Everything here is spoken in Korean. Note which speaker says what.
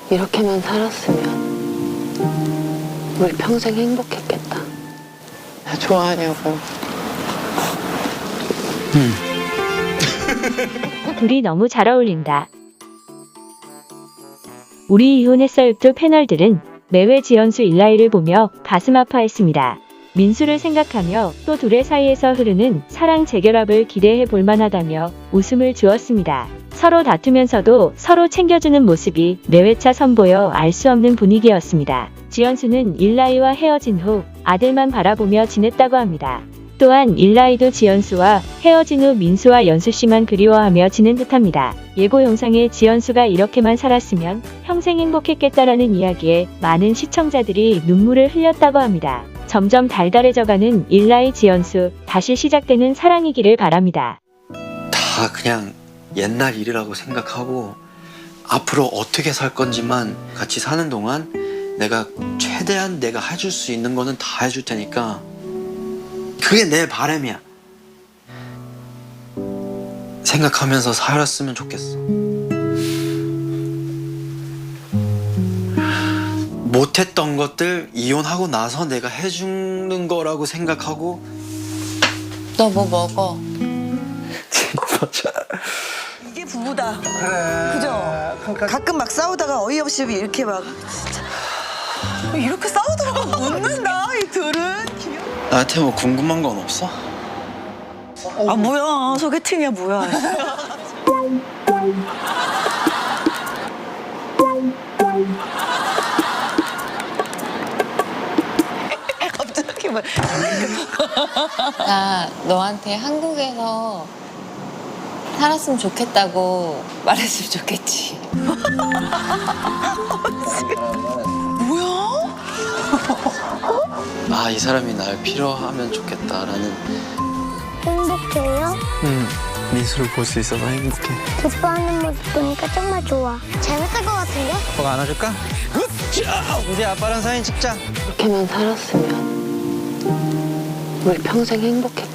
Speaker 1: 이렇게만 살았으면 우리 평생 행복했겠다. 좋아하냐고.
Speaker 2: 둘이 너무 잘 어울린다. 우리 이혼했어요 또 패널들은 매회 지연수 일라이를 보며 가슴 아파했습니다. 민수를 생각하며 또 둘의 사이에서 흐르는 사랑 재결합을 기대해 볼 만하다며 웃음을 주었습니다. 서로 다투면서도 서로 챙겨주는 모습이 매회차 선보여 알 수 없는 분위기였습니다. 지연수는 일라이와 헤어진 후 아들만 바라보며 지냈다고 합니다. 또한 일라이도 지연수와 헤어진 후 민수와 연수씨만 그리워하며 지낸 듯합니다. 예고 영상에 지연수가 이렇게만 살았으면 평생 행복했겠다라는 이야기에 많은 시청자들이 눈물을 흘렸다고 합니다. 점점 달달해져가는 일라이 지연수, 다시 시작되는 사랑이기를 바랍니다.
Speaker 3: 다 그냥 옛날 일이라고 생각하고 앞으로 어떻게 살 건지만 같이 사는 동안 내가 최대한 내가 해줄 수 있는 거는 다 해줄 테니까 그게 내 바람이야. 생각하면서 살았으면 좋겠어. 못했던 것들 이혼하고 나서 내가 해주는 거라고 생각하고.
Speaker 1: 너 뭐 먹어?
Speaker 3: 진짜.
Speaker 4: 이게 부부다. 그죠? 가끔 막 싸우다가 어이없이 이렇게 막 진짜 이렇게 싸우더라고. 웃는다 이 둘은.
Speaker 3: 나한테 뭐 궁금한 건 없어?
Speaker 4: 아 뭐야 소개팅이야 뭐야. 갑자기 막
Speaker 1: 나 너한테 한국에서 살았으면 좋겠다고 말했으면 좋겠지.
Speaker 4: 뭐야?
Speaker 3: 아, 이 사람이 날 필요하면 좋겠다라는.
Speaker 5: 행복해요?
Speaker 3: 민수를 볼 수 있어서 행복해.
Speaker 5: 기뻐하는 모습 보니까 정말 좋아. 재밌을 것 같은데?
Speaker 6: 뭐가 안아줄까? 우리 아빠랑 사진 찍자.
Speaker 1: 이렇게만 살았으면 우리 평생 행복했겠다.